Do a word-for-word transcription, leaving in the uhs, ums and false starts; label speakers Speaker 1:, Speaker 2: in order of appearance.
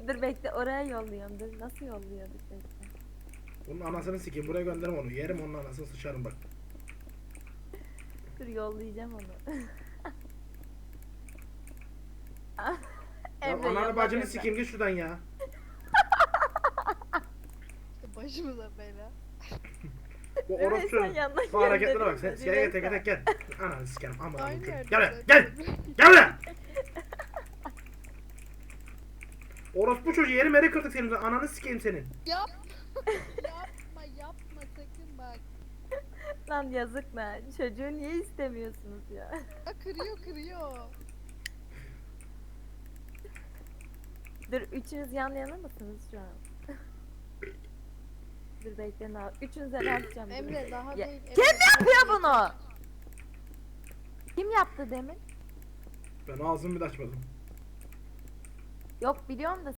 Speaker 1: Dur bekle, oraya yolluyorum. Dur nasıl yolluyorduk bekle.
Speaker 2: Bunun anasını sikeyim, buraya gönderim onu. Yerim onun anasını, sıçarım bak.
Speaker 1: Dur yollayacağım onu.
Speaker 2: Ya
Speaker 1: Emre
Speaker 2: ananı
Speaker 1: yolla
Speaker 2: bacını
Speaker 1: Emre.
Speaker 2: sikeyim, git şuradan ya.
Speaker 3: Başımıza bela.
Speaker 2: Bu
Speaker 1: Evet,
Speaker 2: orospu
Speaker 1: sen yanına
Speaker 2: bu hareketlere bak. Sen
Speaker 1: gönderiyorsun,
Speaker 2: gel gel
Speaker 1: Rümeysa.
Speaker 2: gel gel gel. Ananı sikerim, aman
Speaker 3: Aynı
Speaker 2: Allah'ım.
Speaker 3: yerde
Speaker 2: Gel buraya,
Speaker 3: zaten.
Speaker 2: gel. Gel buraya. Orospu çocuğu, yeri meri kırdık senin. Ananı sikeyim senin.
Speaker 3: Yap. yapma yapma sakın bak.
Speaker 1: Lan yazık lan. Çocuğu niye istemiyorsunuz ya?
Speaker 3: Aa, kırıyor kırıyor.
Speaker 1: Dur üçünüz yan yana mısınız şu an? Dur bekle ne yap- Üçünüze ne yapacağım? dur.
Speaker 3: Emre daha
Speaker 1: Ya-
Speaker 3: değil.
Speaker 1: Kim
Speaker 3: Emre,
Speaker 1: yapıyor
Speaker 3: daha
Speaker 1: bunu? Kim yaptı demin?
Speaker 2: Ben ağzımı bile açmadım.
Speaker 1: Yok biliyorum da